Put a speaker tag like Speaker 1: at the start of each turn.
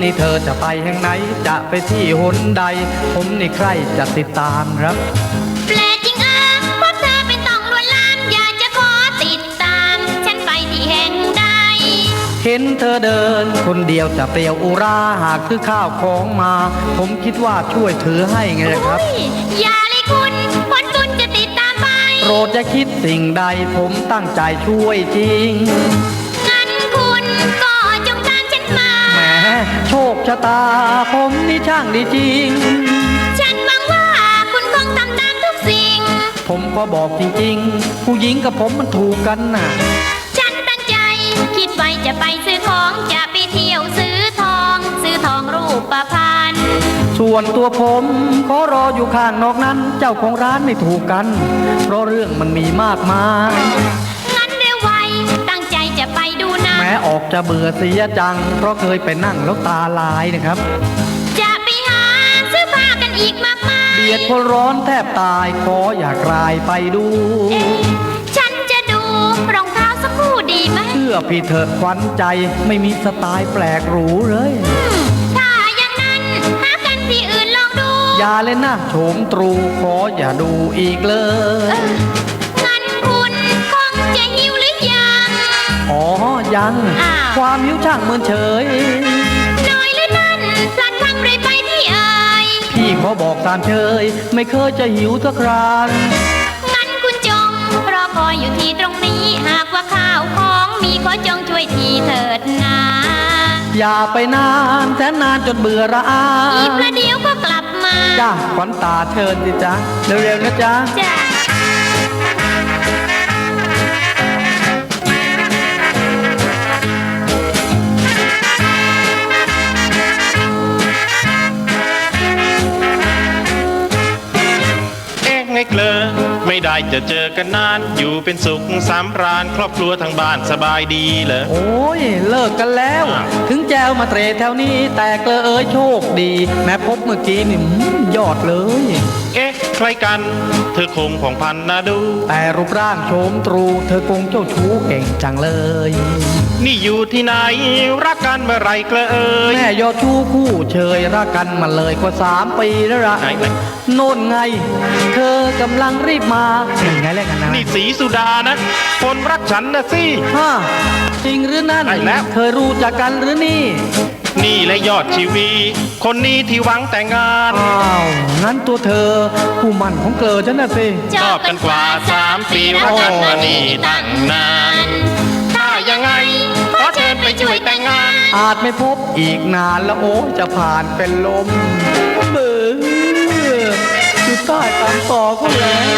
Speaker 1: นี่เธอจะไปแห่งไหนจะไปที่หนใดผมนี่ใครจะติดตามครับ
Speaker 2: แปลกจริงพวกเธอเป็นต้องลวนลามอยากจะขอติดตามฉันไปที่แห่งใด
Speaker 1: เห็นเธอเดินคนเดียวจะเปลี่ยวอุราหากซื้อข้าวของมาผมคิดว่าช่วยถือให้ไงครับ
Speaker 2: อย่าเลยคุณผลบุญจะติดตามไป
Speaker 1: โปรดจะคิดสิ่งใดผมตั้งใจช่วยจริง
Speaker 2: งั้นคุณก็จงตามฉันมา
Speaker 1: แหมโชคชะตาผมนี่ช่างดีจริง
Speaker 2: ฉันหวังว่าคุณคงทำตามทุกสิ่ง
Speaker 1: ผมก็บอกจริงๆผู้หญิงกับผมมันถูกกันน่ะ
Speaker 2: ฉันตั้งใจคิดไว้จะไปซื้อของจะไปเที่ยวซื้อทองรูปพรรณ
Speaker 1: ส่วนตัวผมขอรออยู่ข้างนอกนั้นเจ้าของร้านไม่ถูกกันเพราะเรื่องมันมีมากมาย
Speaker 2: งั้นเร็วไวตั้งใจจะไปดูนะ
Speaker 1: แม้ออกจะเบื่อเสียจังเพราะเคยไปนั่งแล้วตาลายนะครับ
Speaker 2: จะไปหาซื้อผ้ากันอีกมากมาย
Speaker 1: เบียดคนร้อนแทบตายขออยากลายไปดู
Speaker 2: ฉันจะดูรองเท้าสักคู่ดีไหม
Speaker 1: เชื่อพี่เถอะขวัญใจไม่มีสไตล์แปลกหรูเลย
Speaker 2: ถ้าอย่างนั้นหากันที่อื่นลองดู
Speaker 1: อย่าเล่นนะโฉมตรูขออย่าดูอีกเลย
Speaker 2: งั้นคุณคงจะหิวหรือยัง
Speaker 1: อ๋อยังความหิวช่างเมินเฉย
Speaker 2: น้อยหรือนั่นพลัดพลั้งเลยไปที่เอ่ย
Speaker 1: พี่ขอบอกตามเชยไม่เคยจะหิวสักครั้ง
Speaker 2: งั้นคุณจงรอคอยอยู่ที่ตรงนี้หากว่าข้าวของมีขอจงช่วยทีเถิดนะ
Speaker 1: อย่าไปนานแสนนานจนเบื่อระอา
Speaker 2: อีกประเดี๋ยวก็กลับมา
Speaker 1: จ้าขวัญตาเชิญสิจ๊ะเร็วๆนะจ๊ะ
Speaker 3: ไงเกลอไม่ได้จะเจอกันนานอยู่เป็นสุขสำราญครอบครัวทางบ้านสบายดีเหรอ
Speaker 1: โอ้ยเลิกกันแล้วถึงแจวมาเตรแถวนี้แต่เกลอเอ้ยโชคดีแม้พบเมื่อกี้นี่ยอดเลย
Speaker 3: ใครกันเธอคงผ่องพันนะดู
Speaker 1: แต่รูปร่างโฉมตรูเธอคงเจ้าชู้เก่งจังเลย
Speaker 3: นี่อยู่ที่ไหนรักกันเมื่อไรเกลอเอ้ย
Speaker 1: แม่ยอดชู้คู่เชยรักกันมาเลยกว่า3 ปีแล้วละโน่นไงเธอกำลังรีบมาไงแลกกันนะ
Speaker 3: นี่สีสุดานะคนรักฉันนะสิ
Speaker 1: ฮะจริงหรือนั่นเคยรู้จักกันหรือนี่
Speaker 3: และยอดชีวีคนนี้ที่หวังแต่งงาน
Speaker 1: อ้าวงั้นตัวเธอผู้มั่นของเกลอฉันน่ะสิ
Speaker 3: ชอบกันกว่า3 ปีรักกันมานี่ตั้งนานถ้ายังไงขอเชิญไปช่วยแต่งงาน
Speaker 1: อาจไม่พบอีกนานแล้วโอ้จะผ่านเป็นลมเบื่ออยู่ใต้ตามต่อก็แล้ว